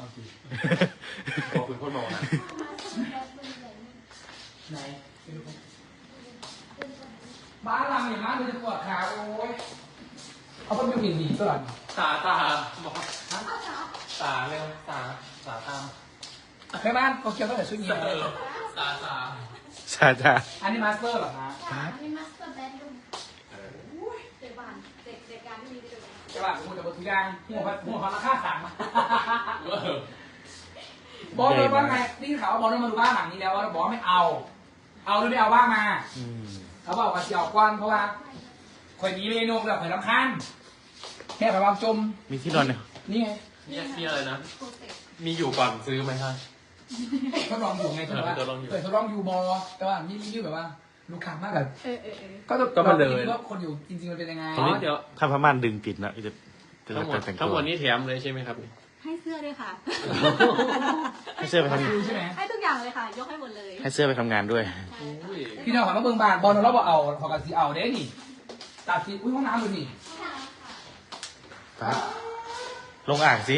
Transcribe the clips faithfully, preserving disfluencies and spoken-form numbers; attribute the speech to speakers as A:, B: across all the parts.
A: เอาสิ
B: บอกคุณคนบอกนะ
A: ไหนบ้านเราอย่างนั้นเลยจะปวดขาโอ้ยเขาเป็นผิวดีตลอด
B: ตาตาบอกตาเร็วตาตาตาม
A: แม่บ้านโตเกียวตั้งแต่ชุดนี้เลย
B: ตาตา
C: ใช่จ้า
A: อันนี้มาสเตอร์เหรอฮะ
D: ค่ะอันนี้มาสเตอร์เบดรูมเด็กบ้านเด็กเด็กการที่มีเด็ก
A: ใช่ป่ะผมจะบอกทุกอย่างหัวหัวเขาราคาสั่งมาบอลเลยว่าไงนี่เขาบอลเลยมาดูบ้านหลังนี้แล้วว่าบอลไม่เอา เอาหรือไม่เอาบ้างมาเขาบอกว่าเสี่ยวกวนเพราะว่าคนนี้เมนูแบบเหมือนลำคันแค่ไปวางจม
C: มีที่นอนเนี่ย
A: นี่ไง
B: มีมีอะไรนะ
D: โปรเจกต์
B: มีอยู่ก่อนซื้อไหมครับ
A: ทดลองอยู่ไงทดลอง
B: ทดลองอยู่
A: เคยทดลองอยู่บอแต่ว่านี่นี่แบบว่าลูกค้ามากแบบ
D: เออเออเออ
A: ก็ต้อง
B: ก็มาเลย
A: ว่าคนอยู่จริงๆมันเป็นยังไง
B: อ๋อเดี๋ยว
C: ถ้าพม่านดึงปิดนะจะจะ
B: ทั้งหมด
C: แต่ง
B: ทั้ง
C: ตั
B: หม
C: ว
B: ดนี้แถมเลยใช่ไหมครับ
D: ให้เสื้อด้วยค่ะ
C: ให้เสื้อไปทำ
A: ดูใช่ไหม
D: ให้ทุกอย่างเลยค่ะ ยกให้หมดเลย
C: ให้เสื้อไปทำงานด้วย
B: อุ้ย
A: พี่น้องขอมาเบิ่งบ้านบอลเราบอกเอาขอกันสีเอาเด้นี่ตาสีอุ้ยห้องน้ำดูนี่
C: ครับ ลงอ่างสิ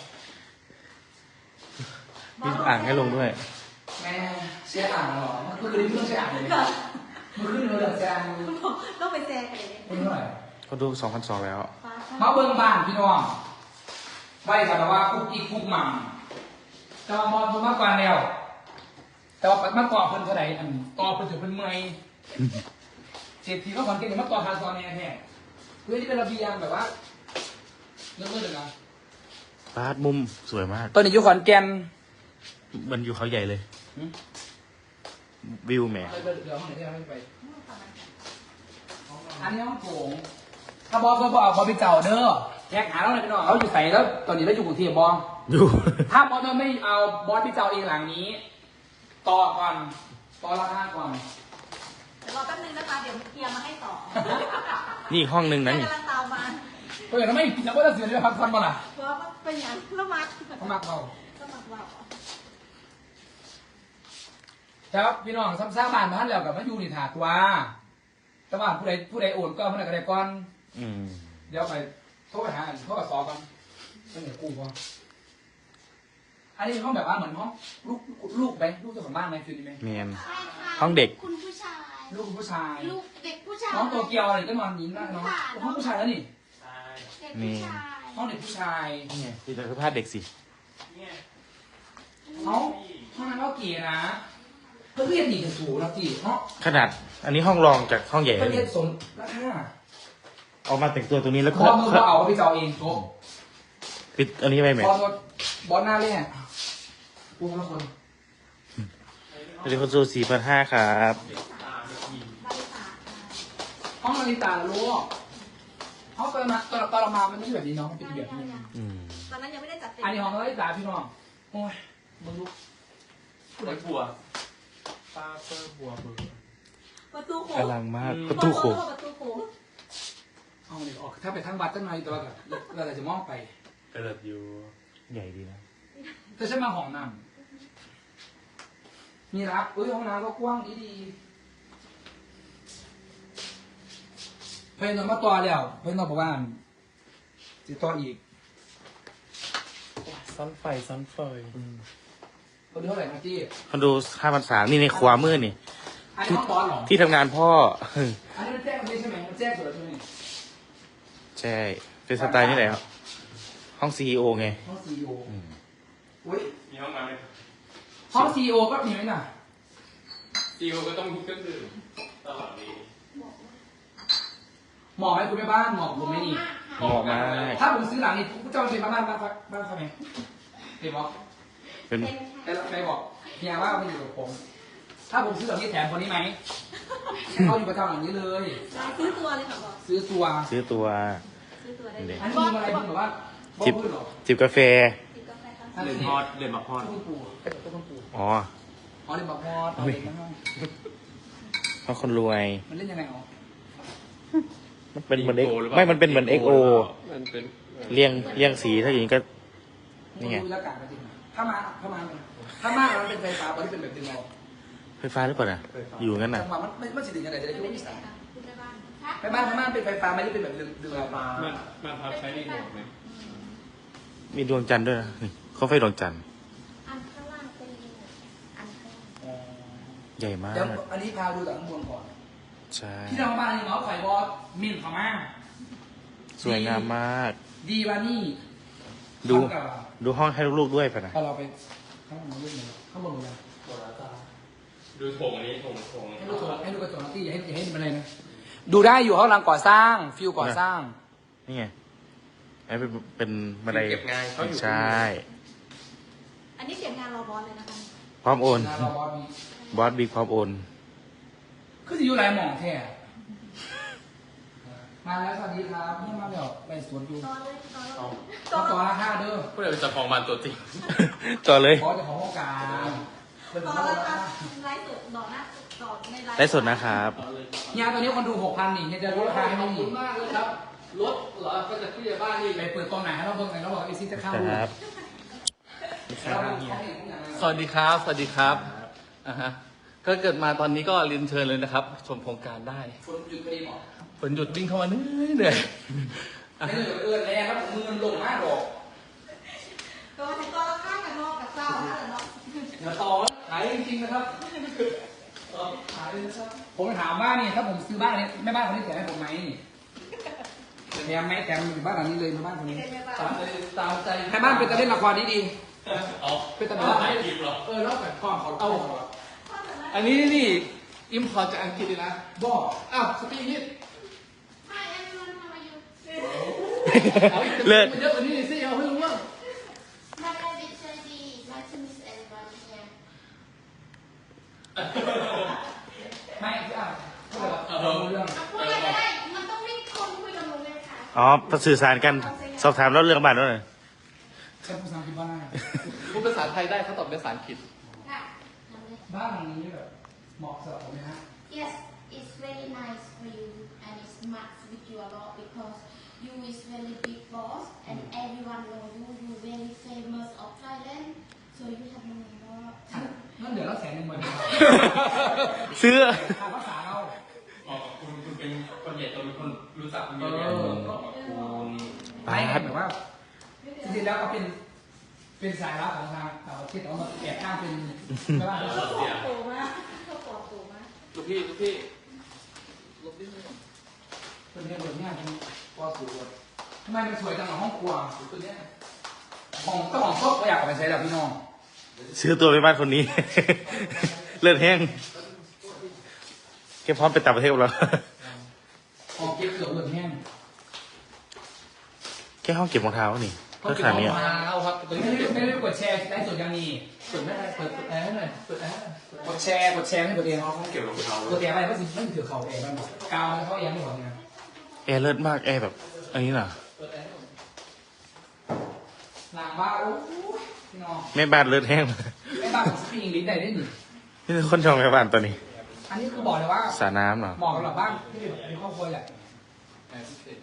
C: มีอ่างให้ลงด้วย
A: แม่เสียอ่างเหรอเมื่อคืนนี้ไม่ต้องเสียอ่างเลยเมื่อคืนเราเหลือเสียอ่าง
D: ต้องไปแชร์กันเลย
A: คนเท่าไหร่
C: ก็ดูสองพันสองแล้ว
A: มาเบิ่งบ้านพี่น้องไว้กันว่าคุกอีกคุกหม่ำแต่ว่ามองผมมากกว่าแล้ว แต่ว่ามาก่อเพิ่นเท่าไหร่อันต่อเพิ่นถึงเพิ่นเมื่อยเศรษฐีเขาขอนเก่งมาต่อทางซอนแน่แท้เพื่อที่เป็นระเบียงแบบว่าเลิศๆเลยนะ
C: บาสมุมสวยมาก
A: ตอนนี้อยู่ขอนแก่น
C: มันอยู่เขาใหญ่เลย
A: หืม
C: วิวแหม
A: เดี๋ยวเดี๋ยวห้องไหนที่เราไม่ไป อันนี้ห้องโถงถ้าบอสก็บอกบอสไปเจ้าเด้อแยกหาเราเลยพี่น้องเขาอยู่ใส่แล้วตอนนี้เราอยู่กรุงเทพบอส
C: อยู่
A: ถ้าบอสไม่เอาบอสไปเจ้าเองหลังนี้ ต่อก่อนต่อราคาก่อน
D: เดี๋ยวรอแป๊บนึงนะคะ เดี๋ยวเคลียร์มาให้ต่อ
C: นี่อีกห้องนึงนะนี่
D: กำลังตามมา
A: ก็อย่างนั้นไม่จะว่าจะเสียเลยพักผ่อนมาล่ะ
D: เพราะว่าเป็นอย่างละมัด
A: เขามักเรา
D: ละมัดว่า
A: ครับพี่น้องซ้ำซ่าบ้านมาท่านแล้วกับมาอยู่ในถาดว่าแต่ว่าผู้ใดผู้ใดโอนก็ผู้ใดก็ได้ก่อน
C: อืม
A: เดี๋ยวไปโทรไปหาอันโทรกับซอกันไม่เหนือกู้ก่อนอันนี้ห้องแบบว่าเหมือนห้องลูกลูกไหมลูกเจ้าของบ้านไหมฟิลนี้ไหม
C: เมียน
D: ใช่ค่ะ
C: ห้องเด็ก
D: คุณผู้ชาย
A: ลูกผู้ชาย
D: ลูกเด็กผู้ชาย
A: น้องโตเกียวอะไรก็นอนยิ้มนะน้องห้องผู้ชายแล้วนี่
B: ใช่
D: เด็กผู้ชาย
A: ห้องเด็กผู้ชาย
C: นี่ไงที่จะพาดเด็กสิ
B: เนี่ย
A: เขาห้องนั้นก็เก๋นะเพื่อนเรียนดีกันสูงนะจีเนาะ
C: ขนาด อันนี้ห้องรองจากห้องใหญ่
A: เพื่อน
C: เล
A: เรีย
C: ย
A: นสมราคา
C: เอามาแต่งตัวตรงนี้แล้ว
A: พ
C: ก็
A: อมือเราเอาไปเจ้าเองโต๊ะ
C: ปิดอันนี้ไปไหม
A: พอรถบอลหน้าเล่นปูละคน
C: เดี๋ยวคนซูสี่พันห้าครับ
A: ห้องนาฬิกาลูกห้องตอนมาตอนตอนเรามามันไม่ใช่แบบนี้เนาะมันเป็นแบบนี้
C: อืม
D: ตอนนั้นยังไม่ได้จัดเต็ม
A: อันนี้ห้องนาฬิกาพี่น้องโอ้ยมึงดู
B: ผู้ใดบัวตาเปอร์บัวเบอร์
D: ประตูโค้ง
C: อลังมาก ประตูโค้ง
D: ประตูโค้ง
A: ห้องนี้ออกถ้าไปทางวัดตั้งหน่อยแต่ว่าแบบเราจะมองไป
B: กระเดิดอยู่
C: ใหญ่ดีนะ
A: แต่ฉันมาห้องน้ำมีรับเอ้ยห้องน้ำก็กว้างดีดีเพื่อนนอนมาต่อแล้วเพื่อนนอนบอกว่าจะต่ออีก
B: ซ้อนไฟซ้อนไฟ
A: คนเท่าไหร่นะจี้
C: คนดูห้าพันสามนี่ในขวามือนี่
A: อันนี้ห้องบอลเหรอ
C: ที่ทำงานพ่อ
A: อันนี้มันแจ้งไม่ใช่ไหมมันแจ้งสุดแล้วใช่ไหม
C: ใช่ เป็นสไตล์นี่แหละครับห้องซีอีโอไง
A: ห้องซีอีโอ
C: อืม
A: อุ้ย
B: มีห้องน้ำไหม
A: ห้องซีอีโอก็มีไหมน่ะ
B: ซีโอก็ต้องมีเครื่องดื่มตลอดนี้
A: เหมาะไหมคุณแม่บ้านเหมาะผมไหมนี่
C: เหมาะมาก
A: ถ้าผมซื้อหลังนี้คุณเจ้าเป็นบ้านบ้านบ้านบ้านเขาไหมเห็นบอก
C: เป็น
A: แต่ใครบอกเฮียว่ามันอยู่กับผม ถ้าผมซื้อหลังนี้แถมคนนี้ไหมเขาอยู่ประจำหลังนี้เลย
D: ซื้อตัวเลยค่ะบอก
A: ซื้อตัว
C: ซื้อตัว
D: ซื้อตัวได้เลย
A: อันนี้มีอะไรบ้างแบบว่าบอ
C: จิบ
A: พูดเหรอ
C: จิบกาแฟ
D: ติดกาแฟค่ะ
A: นั่น
B: เดือด
A: สิ
B: ฮอดเดือดมาฮอด
A: ต้นปูต้นปู
C: อ๋อ
A: อ๋อเดี๋ยวบอกพอดเอาเลยนะ
C: เพราะคนรวย
A: มันเล่นยังไงอ๋อ
C: มันเป็นเหมือนเอ็กไม่มันเป็นเหมือนเอ็กโอ
B: มันเป็น
C: เรียงเรียงสีถ้าอย่างนี้ก็ นี่ไง
A: ดูอากาศกันจริงถ้ามาถ้ามาถ้ามามันเป็นไฟฟ้าบอลที่เป็นแบบดึงเรา
C: ไฟฟ้าหรือเปล่าน่ะ อยู่งั้นน่ะ
A: จังหวะมันไม่ไม่สิถึงกันไหนจะได้คิดว่ามีสาย
D: คุณแม่บ้าน
A: ไปบ้านพม่าเป็นไฟฟ้าไม่ได้เป็นแบบดึงดึงเรา
B: มันมันพับใช้รีโมทไหม
C: มีดวงจันทร์ด้วยนะนี่ขมไฟดวงจันทร์
D: อันข้างล่างเป็นลิงอันข้างล่าง
C: ใหญ่มาก
A: เดี๋ยวอันนี้พาดูจากข้างบนก่อน
C: ใช่
A: ที่เราบ้านนี่เนาะไข่บอสมินพม่า
C: สวยงามมาก
A: ดีวานี่
C: ดู
A: ทำกับ
C: ดูห้องให้ลูกๆด้วยไปนะ
A: พอเราไปข้างบนเรื่องนี้ข้างบนเลย
B: หมดแล้วจ้าดูโถงอันนี้โถงโถง
A: ให้ดูกระจกให้ดูกระจกนะที่อย่าให้อย่าให้มันอะไรนะดูได้อยู่ห้องกำลังก่อสร้างฟิวก่อสร้าง
C: นี่ไงไอ้เป็นเป็นบันได
B: เก็บงานเขาอยู่
C: ใช่
D: อันนี้เสียงงานรอบอสเลยนะคะ
C: พร้อมโอน
A: งานเราบอสมี
C: บอสบิ๊กพร้อมโอน
A: คือจะอยู่ไรหมองแท้มาแล้วสวัสดีครับนี่มาเดี๋ยวไปสวนอยู่
D: ตอนเลยตอนเลย
B: เอา
A: ต่อต่อราคาเด้อ
B: ผู้ใดเป็นเจ้าของบ้านตัวจริง
C: ต่อเลย
A: บอสจะของห้องกลางเป็น
D: ต
A: ต่
D: อ
A: อน
D: เลย
A: รา
D: ค่ะ
A: คา
D: ไลฟ์สดต่อหน้าต่อในไลฟ์
C: ได้สดนะครับ
A: เนี่ยตอนนี้คนดูหกพันนี่เนี่ยจะลดราคาให้
B: ข
A: ไม่
B: อบ
A: มี
B: คุณมากเลยครับรถเหรอก็จะผู้ใหญ่บ้านนี่
A: ไปเปิดตอนไหนให้เราเบิ่งไหนเราบอกไอซีจะเข้า
C: ครับ
A: เราเบิ่งเขาเห็นทุกอย่าง
B: สวัสดีครับ สวัสดีครับอ่าฮะก็เกิดมาตอนนี้ก็เรียนเชิญเลยนะครับ ชมโครงการได้
A: ฝนหยุดพอดีหมอ
B: ฝนหยุดวิ่งเข้ามาเหนื่อยเหนื่อยอ่ะ
A: ไม่เหลือเอื้อนแรงครับมือมันลงมากหรอก
D: ตัวถึงตัวละข้างกับนอกกับเจ้านั่นแหละเนาะ
A: อย่าต่อขายจริงๆนะครับขายเลยนะครับผมถามว่านี่ถ้าผมซื้อบ้านนี้แม่บ้านคนนี้แถมให้ผมไหมแถมไหมแถมอยู่บ้านหลังนี้เลยแม่บ้านคนนี้
B: ตามใจตามใจ
A: แม่บ้านเป็นตะเล่นละครดีดี
B: เอา
A: เป็นตะ
B: เอา
A: เล่น
B: ถ่ายคลิปเหรอ
A: เออแล้วแบบความเขาเอา
B: อันนี้นี่อิมพอร์ตจากอังกฤษเลยนะ
A: บอก
B: อ้าวสปีกนี่
D: Hi everyone how are you
B: เอาอีก
C: เลิศ
B: มันเยอะกว่านี้สิเอาให้รู้ว่า
D: My name is Sandy nice to meet everyone here
A: ไม่คืออ่ะพูดแบบเอาเรื่อง
D: พูดอะไรก็ได้มันต้องไม่คนคุยกับหนูเลยค่ะ
C: อ๋อสื่อสารกัน สอบถามแล้วเรื่องบ้านด้วยหน่อย
A: ใช้ภาษาอังกฤษบ้าง
B: พูดภาษาไทยได้เขาตอบเป็นภาษาอังกฤษ
D: ค่ะทำเลย
A: บ้านหลังนี้แบบเหมาะสำหรับผมไหมฮะ
D: Yes it's very nice for you and it's match with you a lot because you is very big boss and everyone know you you very famous of Thailand so you have money more
A: นั่นเดี๋ยวเราแสนหนึ่งหมดเลย
C: ซื้อ
A: ค่าภาษาเรา
B: อ๋อคุณคุณเป็นคนใหญ่โตเป็นคนรู้จักคนเย
A: เอ
B: อะแยะ
A: อ
B: ขอบคุณ
A: ไม่แบบว่าจริงๆแล้วก็เป็นเป็นสายลับของทางต่างประเทศแต่ว่ามันแอบอ้างเป็นไม่ว่า
D: เขาปลอดโปร่งมากเขาปลอดโปร่งมาก
B: ลูกพี่ลูกพี่ลูกพี่
A: เป็นเรื่องแบบนี้เป็นปอสูงทำไมมันสวยจังหรอห้องครัวตัวเนี้ยของเจ้าของชอบก็อยากเอาไปใช้แล้วพี่น้อง
C: ซื้อตัวไปบ้านคนนี้ เลือดแห้งแค่พร้อมไปต่างประเทศกับเรา
A: ของเก็บเกือบเหลือแห้ง
C: แค่ห้องเก็บรองเท้านี่เพื่อขนาดเนี้ย
B: เอาครับตัว
A: ไม่
B: นี้
A: ได้ไม่ได้กดแชร์ได้ส่วนยังมี
B: เปิดไม่ได้เปิดแอร์ให้หน่อยเปิดแอร์
A: กดแชร์กดแชร์ให้ตัวเอง
B: ห้องเก็บรองเท้า
A: ตัวเองอะไรก็สิไม่ถือเขาเองมันกาวเขาเองไม่หมดเนี่ย
C: แอร์เลิศมากแอร์แบบอันนี้น่ะ
B: เปิดแอร์
A: หลังบ้านโอ้ยพี่น้อง
C: แม่บ้านเลือดแห้ง
A: ไม่บ้านผมสปีกอังกฤษได้ได้หนิ
C: นี่คือคนชมแม่บ้านตัวนี้
A: อันนี้คือบอกเลยว่า
C: สระน้ำเหรอ
A: เหมาะกับบ้านที่มีครอบครัวแหละ
B: แอร์พิเศษ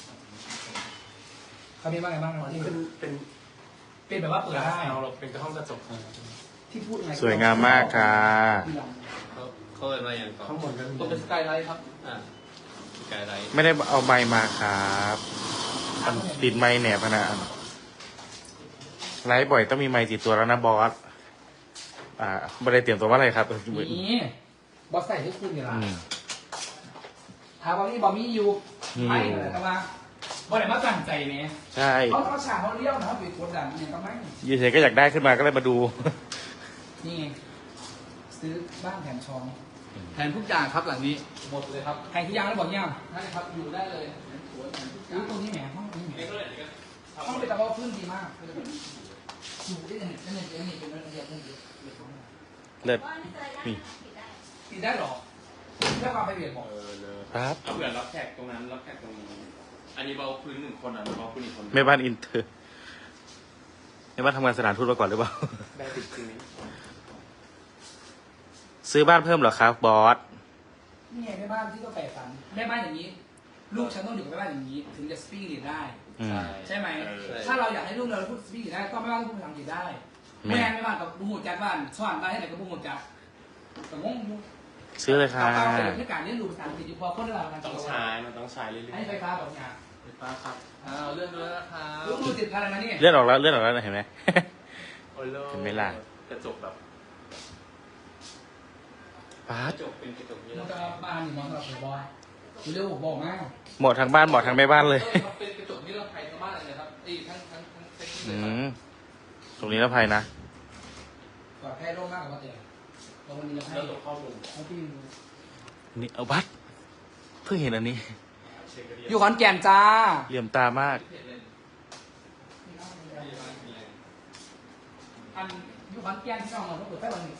A: เขามีบ้านอะไรบ้างนะที่
B: เป็นเป็น
A: เป็นแบบว่าเปิดได้
B: เราเราเป็นกระห้องกระจก
A: ที่พูดไง
C: สวยงามมากค่ะ
B: เขาเขาเป็นอะไรอย่างต่อข้างบนกันตัวเป็นสกายไลท์ครับอ่าสกายไลท์
C: ไม่ได้เอาไม้มาครับมันติดไม้แหนบขนาดไลฟ์บ่อยต้องมีไม้ติดตัวแล้วนะบอส อ่าไม่ได้เตรียมตัวว่าอะไรครับ
A: นี่บอสใส่ให้คุณอยู่ละ
C: อืม
A: ถามว่านี่บอมี่อยู่
C: มีอยู่
A: ไม่เลยแต่ว่าบอสไหนมาตั้งใจเนี่ย
C: ใช่
A: เขาเขาฉากเขาเลี้ยวนะเขาปิดกดดันเนี่ยก็ไม่
C: ยูเฉยก็อยากได้ขึ้นมาก็เลยมาดู
A: นี่ไงซื้อบ้านแถมช้อน
B: แทนทุกอย่างครับหลังนี้หมดเลยครับ
A: ใครที่ยังแล้วบอกเนี่ย
B: ได้ครับอยู่ได้เลยสวนแทนทุกอย่า
A: อุ้
B: ง
A: ยตรงนี้แหมห้องนี้แหม
B: เล็กเลยเล็ก
A: ห้องเป็นตะวันพื้นดีมากอยู่ได้ยังไงได้ยังไงได้ยังไงเป็นระเบียบได้ยังไง
C: เลิศ
D: ว่านี่อะไรได้
C: นี่
D: ปิดได้
A: ติดได้หรอเรื่องความไปเบียดบอก
B: เออเลย
C: ครับ
B: เอาเผื่อรับแขกตรงนั้นรับแขกตรงนี้ อันนี้เบาพื้นหนึ่งคนอ่ะเบาพื้นอีกคน
C: แม่บ้านอินเตอร์แม่บ้านทำงานสถานทูตมาก่อนหรือเปล่า
B: ได้ติดจริงนี้
C: ซื้อบ้านเพิ่มเหรอครับบอส
A: นี่ไงแม่บ้านที่ต้องแปลฝันแม่บ้านอย่างนี้ ลูกฉันต้องอยู่กับแม่บ้านอย่างนี้ ถึงจะสปีกอังกฤษได้
C: อืม
A: ใช่ไหม
B: เออ
A: ถ้าเราอยากให้ลูกเราพูดสปีกอังกฤษได้ก็แม่บ้านต้องพูดภาษาอังกฤษได้
C: แม่
A: แม่แม่บ้านกับบุหูจัดบ้านสอนได้ให้ไหนกับบุหูจัดแต่งงอยู่
C: ซื้อเลยค่ะ
A: เอาไปในการเรียนรู้ภาษาอังกฤษอยู่พอคนเราการ
B: ต้องใช้ มันต้องใช้เรื่อย
A: ให้ไฟฟ้าแบบนี้
B: ๆไฟฟ้าครับอ้าวเลื่อนด้วยนะครับ
A: ลูกมือติดพันแล้วนะนี่
C: เลื่อนออกแล้วเลื่อนออกแล้วนะเห็นไหมเห็นไหมล่ะ
B: กระจกแบบ
C: ป๊าก ด
B: ระจกเป็นกระจกนี้
A: มั
B: แล้
A: น
B: ว
A: จะบ้านนี่มองสำหรับผมบอยเร็วบอกมา
C: เหมาะทางบ้านเหมาะทางแม่บ้านเลย
B: ออเป็นกระจกนิรภัยทั้งบ้านเลยนะครับไอ้ทั้งทั้งทั้งเซ็ตเล
C: อื
B: ยครับ
C: มตรงนี้นะภัยนะ
A: ปลอดภัยโรคมากกว่าเตียลงวันนี้เราให้
B: แล้วตัวข้อมูล
A: ให้พี่ดู
C: นี่เอาบัตรเพิ่งเห็นอันนี้
B: เช็คกันดี
A: อยู่ขอนแก่นจ้า
C: เหลี่ยมตามาก
A: อันอยู่ขอนแก่นที่น้องเราต้องเปิดไฟวันนี้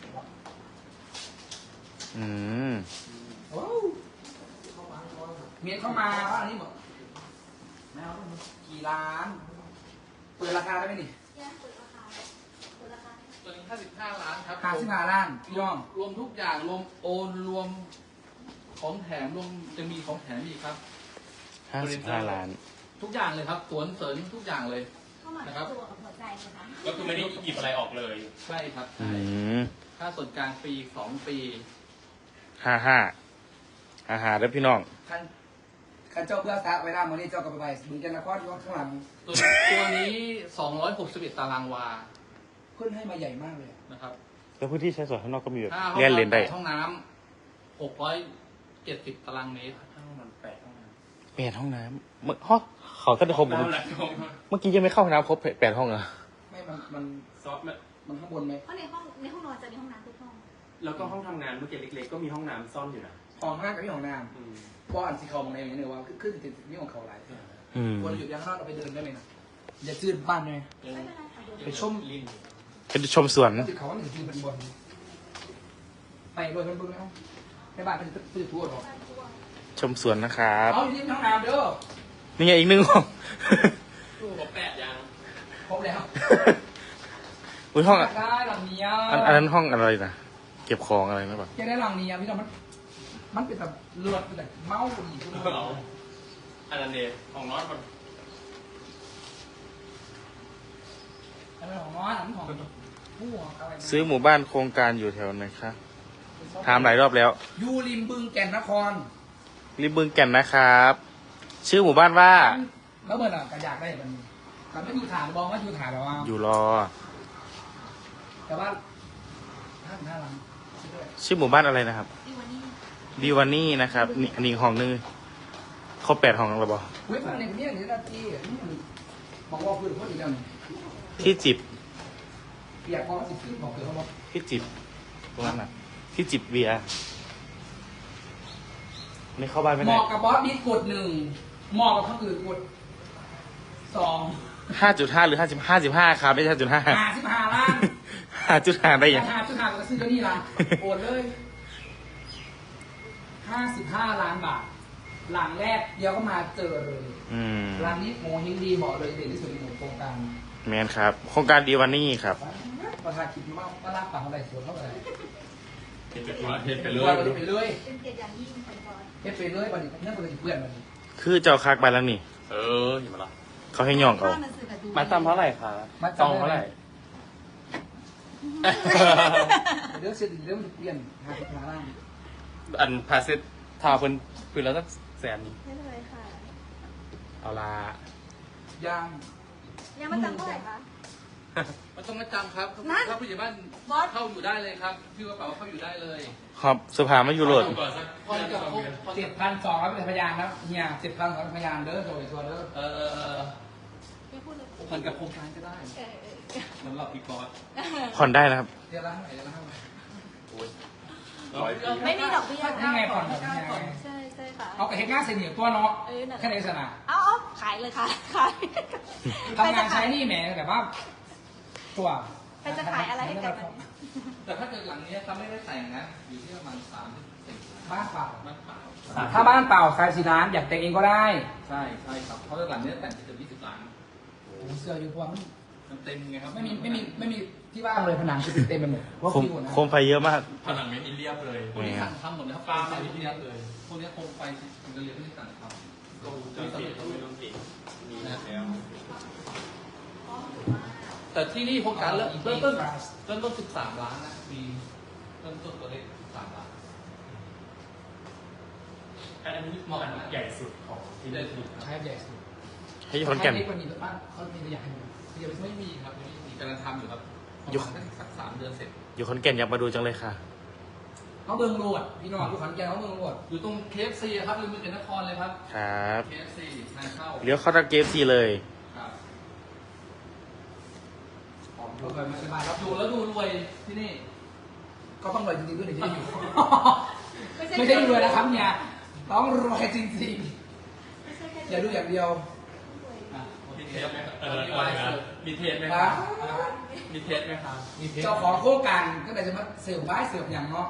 C: อืม
A: โอ้เมียเข้ามาว่าอันนี้บอกไม่เอากี่ล้าน เปิดราคาได้ไหมนี่
D: Yeah, เปิดราคาเปิดราคา
B: ตัวนี้ห้าสิบห้าล้านครับ
A: ห้าสิบห้าล้านพี่น้อง
B: รวมทุกอย่างรวมโอนรวมของแถมรวมจะมีของแถมอีกครับ
C: ห้าสิบห้าล้าน
B: ทุกอย่างเลยครับสวนเสริญทุกอย่างเลย
D: เข้ามา
B: นะครับ
D: ตัวกับหัวใจนะคะ
E: ก็คือไม่ได้หยิบอะไรออกเลย
B: ใช่ครับ
C: อื
B: ใช่
C: ม
B: ค่าส่วนกลางปีสองปี
C: ห้าห้าห้าห้าเด้อพี่น้อง
A: คันคันเจ้าเพื่อสาเวลาวันนี้เจ้ากับไปบึงกันนครที่ว่าข้างหลัง
B: ตัวตัวนี้สองร้อยหกสิบเอ็ดตารางวา
A: เพื่อนให้มาใหญ่มากเลย
B: นะครับ
C: แล้วพื้นที่ใช้สอยข้างนอกก็มีแบบ
B: ห้าห้อง
C: เลียนเลนได้
B: น้ำห้องน้ำหกร้อยเจ็ดสิบตารางเมตรห้องน้ำแปดห้องน้
C: แปดห้องน้ำเมื่อฮะเขาก็จะครบ
E: น้ำหลักของ
C: เมื่อกี้ยังไม่เข้าห้องน้ำครบแปดห้องเหรอ
A: ไม่มันมัน
E: ซอฟต์
A: มันข้างบนไหม
D: เพราะในห้องในห้องนอนจะมีห้องน้ำทุกห้อง
E: แล้วก็ห้องทำงานเมื่อกี้เล็กๆ ก็มีห้องน้ำซ่อนอยู่นะ
A: ของห้างกับพี่ของน้
E: อืม
A: ำเพราะอันสีเขามองในอย่างนี้เลยว่าขึ้นติดนี่ของเขาหลาย
C: อืม
A: ควรหยุดยังข้างนอกเราไปเดินได้เลยนะอย่าจืดบ้านเลย
D: ไม่เป็นไรค่ะเดี๋ยว
A: ไปชม
E: ลิ้น
C: เป็นชมสวน
A: ติดเขาว่าหนึ่งจืดเป็นบนไปโดยมันบึ้งแล้วในบ้านเป็นตื้อทั่วหรอก
C: ชมสวนนะครับ
A: เอาอยู่ที่ห้องน้ำเด้อ
C: นี่ไงอีกหนึ่งห้อง
E: ตู้กับแปดยัง
A: ครบแล้ว
C: อุ้ยห้องอะ
A: ได้หลังนี้
C: อันอันนั้นห้องอะไรนะเก็บของอะไรนะแบบ
A: จะได้หลังนี้พี่น้องมันมันเป็นแบบเลือดเป็นแบบเมาดีขึ้นมา
E: เราอันนั้นเดชของน้อยมัน
A: อันนั้นของน้อยอันนั้นของผู้อะไร
C: ซื้อหมู่บ้านโครงการอยู่แถวไหนคะถามหลายรอบแล้ว
A: ยูริมบึงแก่นนคร
C: ริมบึงแก่นนะครับ ชื่อหมู่บ้านว่า
A: แล้วเมื่อไหร่ก็อยากได้มันแต่ไม่อยู่ฐานบอกว่าอยู่ฐานแล้วว่า
C: อยู่รอ
A: แต่ว่าห้าหน้าหลัง
C: ชื่อหมู่บ้านอะไรนะครับ
D: ดีวันนี้
C: ดีวานี่นะครับนี่อันนี้ห้องนึงครบแปดห้องแล้วบอ
A: เว้ยมันในคนนี้อย่างนี้นะที่บอกว่าคือคนอีกแล้ว
C: ที่จิบ
A: เปียกพอสิบสี่บอกคือเขาบอก
C: ที่จิบตรงนั้นน่ะที่จิบเบียร์ไม่เข้าบ้านไม่
A: เห
C: ได้
A: มาะกับบอสบิ๊กกดหนึ่งเหมาะกับคนอื่นกดสอง
C: ห้าจุดห้าหรือห้าสิบห้าสิบห้าครับไม่ใช่ห้าจุดห้า
A: ห้าสิบห้าล้าน
C: ห้าจุดห้าได้ยัง
A: ห้าจุดห้าก็ซื้อตัวนี้ละโอนเลยห้าสิบห้าล้านบาท หลังแรกเดี๋ยวก็มาเจอเลย
C: อืม
A: ร้านนี้โมฮิงดีเหมาะเลยเด่นที่สุดในหมู่โครงการ
C: แมนครับ โครงการดีวานี่ครับ
A: ประธานคิดว่าว่ารับปากอะไรสวนเท่าไหร่
E: เห็นไปเห็นไป
A: ไป
E: เล
A: เลย
E: ย
A: ไปเลย
D: เป็นเกียรติอย่างยิ่งเป็นบอส
A: เฮ็ดไปเลยบัดนี้เนี่ยบัดนี้เพื่อนบัดนี้
C: คือเจ้าคักไปแล้วนี่
E: เออเห็นไหมล่ะ
C: เขาให้ย่องเอา
D: ข้หนังสือกับดู
E: มาตามเท่าไหร่คะ
A: มา
E: จองเท่าไหร่
A: เดี๋ยวเสร็จเดี๋ยวมันเปลี่ยนห้าสิบห้าล้าน
E: อันพาเซตทาเพิ่นคือแล้วสักแสน
D: ไม่เป็นไรค่ะ
E: เอาละ
A: ยาง
D: ยังมาจำเท่าไหร่คะ
B: มันต้องมาจำครับ
D: นั่น
B: ถ้าผู้ใหญ่บ้าน
D: บอส
B: เข้าอยู่ได้เลยครับชื่อกระเป๋าเข้าอยู่ได้เลย
C: ครับเสื้อผ้าไม่อยู่โหลด
E: ก่อนสัก
B: พอจะครบพอ
A: เจ็
B: จะ
A: ดพันสองร้อยเป็นพยานแล้วเฮียเจ็ดพันสองร้อยพยานเด้อโดยตัวเด้อ
B: เออ
D: ไม่พูดเลย
B: ผ่อนกับโครงการก็ได้
D: เออเออ
B: สำหรับพี่กอล์ฟ
C: ผ่อนได้นะครับ
A: เดือนละเท่าไหร่เดือนละเท่าไหร่
E: ร้อย
D: ไม่มีดอกเบี้ย
A: นี่ไงผ่อนแบบนี้ไง
D: ใช่ใช่ค่ะ
A: เอากระเฮ็ดง่ายเสียเหนียวตัวเนาะ
D: เออนั่นแหละ
A: แค่ในสนาม
D: เอาเอาขายเลยค่ะขาย
A: ทำงานใช้หนี่แหมแต่ว่าตัว
D: ใครจะขายอะไรให้กันมัน
B: แต่ถ้าเกิดหลังนี้เขาไม่ได้แต่งนะ อยู่ที่ประมาณสามสิบ
A: บ้านเปล่า
B: บ้านเปล่า
A: ถ้าบ้านเปล่าขายสี่ล้านอยากแต่งเองก็ได้
B: ใช่ใช่ครับเพราะว่าหลังนี้แต่งจะยี่สิบล้าน
A: โอ้โหเสื้ออยู่พวงมัน
B: มันเต็มไงครับ
A: ไม่มีไม่มีไม่มีที่ว่างเลยผนังคือเต็มไปหมดเพราะ
C: โคม
A: คิวนะ
C: โคมไฟเยอะมาก
E: ผนังไม่มีเรียบเลย
B: พวกนี้สั่งทำหมดเลยครับปลาใส่ที่นี้เลย พวกนี้โคมไฟถึงจะเรียนที่สั่งทำ
E: ก็จะเปลี่ยนก็ไม่ต้องเก่งมีแล้ว
B: แต่ที่นี่โครงการเริ่มเริ่มต้นเริ่มต้นสิบสามล้านนะมีเริ่มต้นตัวเลขสิบสามล้าน
E: อันนี้เหมาะใหญ่สุดของที่ได้ถูก
A: ใช้ใหญ่สุด
C: ให้ขอนแก่น
A: ใช้เล็กกว่านี้บ้านเขามีตัวอย่างให้ดู
B: ยังไม่มีครับยังไม่มีกำลังทำอยู่ครับประมาณสักสามเดือนเสร็จ
C: อยู่ขอนแก่นอยากมาดูจังเลยค่ะ
A: เขาเมืองโรดพี่น้องอยู่ขอนแก่นเขาเมืองโรด
B: อยู่ตรง เค เอฟ ซี ครับริมเมืองนครเลยครับ
C: ครับ
B: เค เอฟ ซี ทางเข้า
C: เลี้ยวเข้าทางเกฟซีเลย
B: ครับ
A: เราเคยมาสบาย
B: ค
A: แล้
B: รั
A: ว
B: บอยู่แล้วดูรวยที่นี่
A: ก็ต้องรวยจริงๆด้วยถึงจะอยู่ ไม่ใช่รวยนะครับเนี่ยต้องรวยจริงๆอย่าดูอย่างเดียว
B: อ่ะมีเทสไหมครับมีเทสไหมค
A: นะ
B: รับมีเทสไหมครับมีเทส
A: เจ้าของโครงการก็เลยจะมาเสิร์ฟบ้ายเสิร์ฟอย่างเนาะ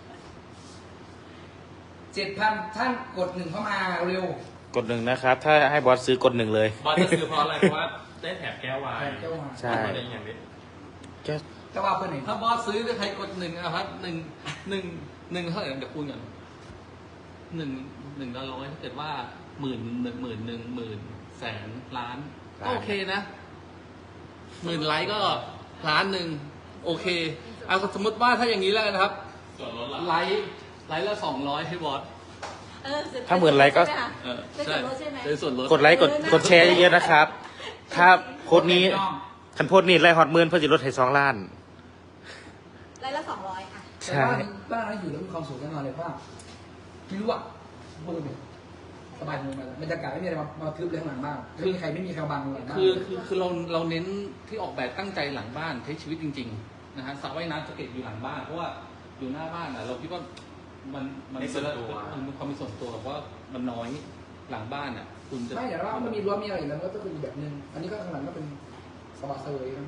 A: เจ็ดพันท่านกดหนึ่งเข้ามาเร็ว
C: กดหนึ่งนะครับ ถ้าให้บอสซื้อกดหนึ่งเลย
E: บอสจะซื้อเพราะอะไรเพราะว่าได้แถบแก้ววาย
A: เจ้ามา
C: ใช่
E: อะไรอย่างนี้
C: แค่
A: เจ้าว่าเพื่อนไหน
B: ถ้าบอสซื้อใครกดหนึ่งนะครับหนึ่งหนึ่งหนึ่งเท่าไหร่เดี๋ยวคูณก่อนหนึ่งหนึ่งละร้อยถ้าเกิดว่าหมื่นหนึ่งหมื่นหนึ่งหมื่นแสนล้านก็โอเคนะหมื่นไลค์ก็ล้านหนึ่งโอเคเอาสมมติว่าถ้าอย่างนี้แล้วกันนะครับ
E: ส่วนลดละ
B: ไลค์ไลค์ละสองร้อยให้บอส
D: เออ
C: ถ้าหมื่นไลค์ก็
D: ใช่หมคะ
B: เออ
D: ได้ส่วนลดใช่ไหม
B: ได้ส่วนลด
C: กดไลค์กดกดแชร์เยอะๆนะครับ ถ้าโพสต์นี้คันโพสต์นี้ไล่ฮอตหมื่นเพื่อจะลดให้สองล้าน
D: ไลค์ละสองร้อยอ่ะ
A: แต่ว่าบ้านนั้นอยู่แล้วมีความสุขแน่นอนเลยเพราะว่าไม่รู้อ่ะพูดเลยสบายมือมาบรรยากาศไม่มีอะไรมามาทึบเลยข้างหลังบ้างไม่มีใครไม่มีใครบังหลังบ้าง
B: คือคือคือเราเราเน้นที่ออกแบบตั้งใจหลังบ้านใช้ชีวิตจริงๆนะฮะสระว่ายน้ำจะเก็บอยู่หลังบ้านเพราะว่าอยู่หน้าบ้านอ่ะเราคิดว่ามันมันมันมีความเป็นส่วนตัวเพราะว่ามันน้อยหลังบ้านอ่ะคุณจะ
A: ไม่แต่ว่ามันมีรั้วมีอะไรอยู่แล้วมันก็เป็นอีกแบบนึงอันนี้ก็ข้างหลังก็เป็นสบายเซย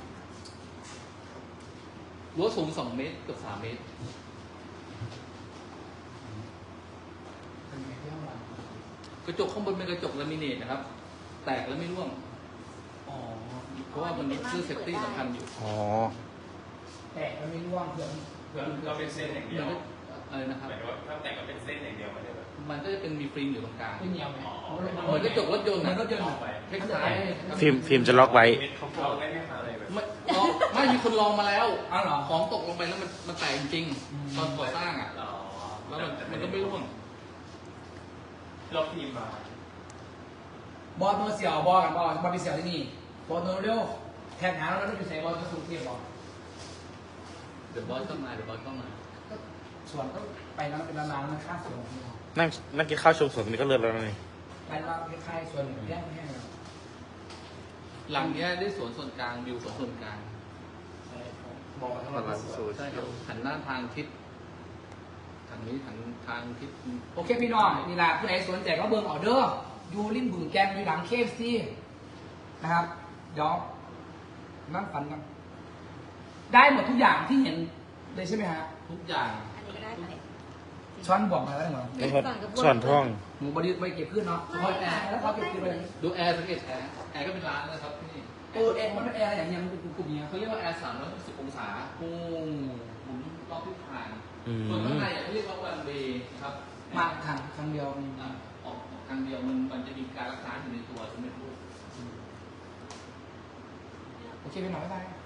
B: รั้วสูงสองเมตรเกือบสามเมตร
A: เป็นไงที่ข้างหลัง
B: กระจกข้างบนเป็นกระจกลามิเนตนะครับ แตกแล้วไม่ร่วง
A: อ๋อ
B: เพราะว่ามันมีชื่อเซฟตี้สำคัญอยู่
C: อ๋อ
A: แต่มันไม่ร่วงเพื่อน
E: เพื่อเราเป็นเส้นอย่างเดียว
B: มันก็อะไรนะครับ
E: หมายถึงว่าถ้าแต่งก็เป็นเส้นอย่างเดียวไม่ได้แบบ
B: มันก็จะเป็นมีฟิล์มอยู่ตรงกลาง
A: ไม่เหนียวไหม
B: เหมือนกระจกรถยนต์
A: มั
B: นะ
A: นก็เดิน
E: ออกไป
B: คล้ายๆ
C: ฟิล์มฟิล์มจะล็อกไว้
E: เขาเราได้ไหมคะอะไรแบบ
B: ไม่ลองไม่มีคนลองมาแล้ว
A: อ้าวเหรอ
B: ของตกลงไปแล้วมันมันแตกจริง
A: อืม
B: ๆตอนก่อสร้างอ่ะ
E: อ๋อ
B: แล้วมันมันก็ไม่ร่วง
E: เราพิมพ์มา
A: บอลโนเสียวบอลกันบอลบอลไปเสียวที่นี่บอลโนเร็วแทนหาแล้วเราจะใส่บอลจะสูงเทียบบอล
B: เดี๋ยวบอสต้องมาเดี๋ยวบอสต้องมา
A: ส่วนก็ไปแล้วเป็นร้านๆมันค่าส่วนของเรา
C: นั่งนั่งกินข้าวชมสวนนี่ก็เลิศแล้วนะนี่
A: ไปแล้วคล้ายๆส่วนหนึ่งแยกแห้ง
B: หลังเนี้ยได้สวนส่วนกลางวิวสวนส่วนกลาง
A: บอกทั้งหมด
B: ใช่ครับหันหน้าทางทิศทางนี้ทางทางทิศ
A: โอเคพี่น้องนี่แหละผู้ใดสนใจก็เบิ่งออเดอร์ยูริมบึงแกนอยู่หลังเคฟซีนะครับเดี๋ยวนั่งฝันกันได้หมดทุกอย่างที่เห็นเลยใช่ไหมฮะ
B: ทุกอย่าง
D: อันนี้ก็ได้ไป
A: ช้อนบอกมาแล้วเหรอ
C: แล้วก็ส่วนท่อง
A: หมูบริษไม่เก็บขึ้นเนาะเฉพาะแอร์แล้วเขาเก็บขึ้นไปเลย
B: ดูแอร์สังเกตแอร์แอร์ก็เป็นร้านนะครับที่นี่
A: เออแอร์มันเป็นแอร์อะไรอย่างเงี้ยมันเป็นกลุ่มๆเนี้ย
B: เขาเรียกว่าแอร์สามร้อยหกสิบองศา
A: โอ้
B: หมุนรอบทิศทาง
C: อืม
B: ส่วนข้างในอ่ะเขาเรียกว่าวันเวย์ครับ
A: มาทางทางเดียว
B: อ่ะออกทางเดียวมันมันจะมีการรักษาอยู่ในตัวใช่ไหมลูก
A: โอเคพี่น้องบ๊ายบาย
B: ค